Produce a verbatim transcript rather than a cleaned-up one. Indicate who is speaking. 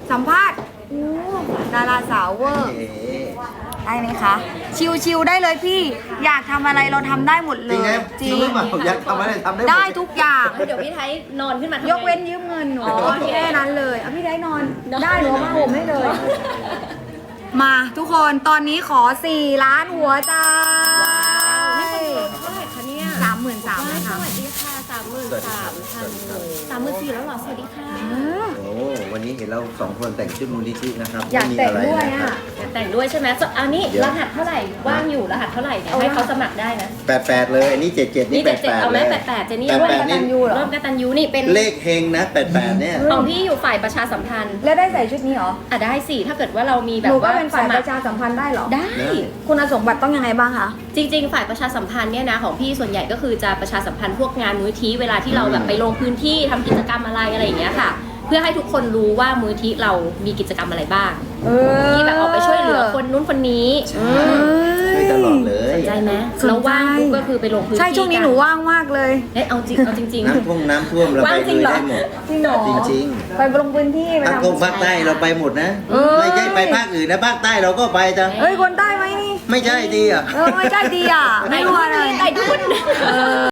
Speaker 1: สัมภาษณ์อู้ดาราสาวเวอร์ ได้ไหมคะ ชิวๆได้เลยพี่ อยากทำอะไรเราทำได้หมดเล
Speaker 2: จริง
Speaker 1: ย
Speaker 2: ไหมจริงหรือเปล่าอยากทำอะไรทำได้หมด
Speaker 1: ได้ทุกอย่าง
Speaker 3: เดี๋ยวพี่ไทยนอนขึ้นมาทำไม
Speaker 1: ยกเว้นยืมเงินหนูแค่นั้นเลยเอาพี่ได้นอน ได้หนูมาห่มให้เลย มาทุกคนตอนนี้ขอสี่ล้านหัวใจ
Speaker 3: เท่าไหร่คะเนี่ย
Speaker 1: สามหมื่นสามเลยค่ะ
Speaker 3: สวัสดีค่ะสามหมื่นสามพันสามหมื่นสี่แล้วเหรอสวัสดีค่ะ
Speaker 2: โอ้วันนี้เห็นเราสองคนแต่งชุดมูลนิธินะครับ
Speaker 1: อยาก
Speaker 2: ไม่มี
Speaker 1: แต่ง
Speaker 2: ไร
Speaker 1: ด้วย
Speaker 2: นะค
Speaker 1: อ่ะ
Speaker 2: รับ
Speaker 3: แต่งด้วยใช่ไหมอันนี้
Speaker 2: เดี๋ยว
Speaker 3: รหัสเท่าไหร่ว่างอยู่รหัสเท่าไหร่เนี่ย
Speaker 1: เอา
Speaker 3: ให้
Speaker 1: รหั
Speaker 3: เขา
Speaker 1: ส
Speaker 3: สมัครได้นะ
Speaker 2: แปดแปดเลยอันนี้เจ็ดเจ็ดนี่
Speaker 3: นี่
Speaker 2: แป
Speaker 3: เจ็ด
Speaker 2: ด
Speaker 3: เจ็ด
Speaker 2: แปด
Speaker 3: เอาไหม
Speaker 2: เลย
Speaker 3: แปดแปดเจนี่
Speaker 2: แปด
Speaker 1: ร่วม
Speaker 2: แปด
Speaker 1: ก
Speaker 2: นี่
Speaker 1: ตันยูเหรอ
Speaker 3: ร่วมกตันยูนี่เป็น
Speaker 2: เลขเฮงนะแปดแปดเนี่ย
Speaker 3: ของพี่อยู่ฝ่ายประชาสัมพันธ์
Speaker 1: แล้วได้ใส่ชุดนี้เหรอ
Speaker 3: อ่ะได้สิถ้าเกิดว่าเรามีแบ
Speaker 1: ห
Speaker 3: บ
Speaker 1: นูก็
Speaker 3: ว่า
Speaker 1: เป็นฝ่าย
Speaker 3: ส
Speaker 1: ป
Speaker 3: มัค
Speaker 1: ระชาสัมพันธ์ได้เหรอ
Speaker 3: ได้
Speaker 1: คุณสมบัติต้องยังไงบ้างคะ
Speaker 3: จริงๆ ฝ่ายประชาสัมพันธ์เนี่ยนะของพี่ส่วนใหญ่ก็คือจะประชาสัมพันธ์พวกงานมูลนิธิเวลาที่เราแบบไปลงพื้นที่ทำกิจกรรมอะไรอะไรอย่างเงี้ยค่ะ เพื่อให้ทุกคนรู้ว่ามูลนิธิเรามีกิจกรรมอะไรบ้าง
Speaker 1: เออ
Speaker 3: ที่แบบออกไปช่วยเหลือคนนู้นคนนี้
Speaker 2: ใช่ช่วยตลอดเลย
Speaker 3: สนใจไหม
Speaker 1: สนใจ
Speaker 3: แล้วว่างปุ๊บก็คือไปลงพื้นที่
Speaker 1: ใช่ช่วงนี้หนูว่างมากเลย
Speaker 3: เอ้ยเอาจริงเอาจริง
Speaker 2: น้ำท่วมน้ำท่วมเรา
Speaker 3: ว่า
Speaker 2: ไป
Speaker 3: งจริ
Speaker 2: ลุ
Speaker 3: ง
Speaker 2: ย
Speaker 3: เหรอ
Speaker 2: ได้หมด
Speaker 1: จริงเหรอ
Speaker 2: จริง
Speaker 1: ไปลงพื้นที่ไป
Speaker 2: ๆภาค
Speaker 1: ทำ
Speaker 2: ตรงภาคใต้เราไปหมดนะ
Speaker 1: เออ
Speaker 2: ไม่ใช่ไปภาคอื่นนะภาคใต้เราก็ไปจ้ะ
Speaker 1: เอ้ยคนใต้ไหมนี่
Speaker 2: ไม่ใช่ดีอ่ะ
Speaker 1: เออไม่ใช่ดีอ่ะ
Speaker 3: ๆ
Speaker 1: ไม่
Speaker 3: ไต่
Speaker 1: รู้
Speaker 3: ดุ
Speaker 1: อะไร
Speaker 3: นไต่ดุน
Speaker 1: เออ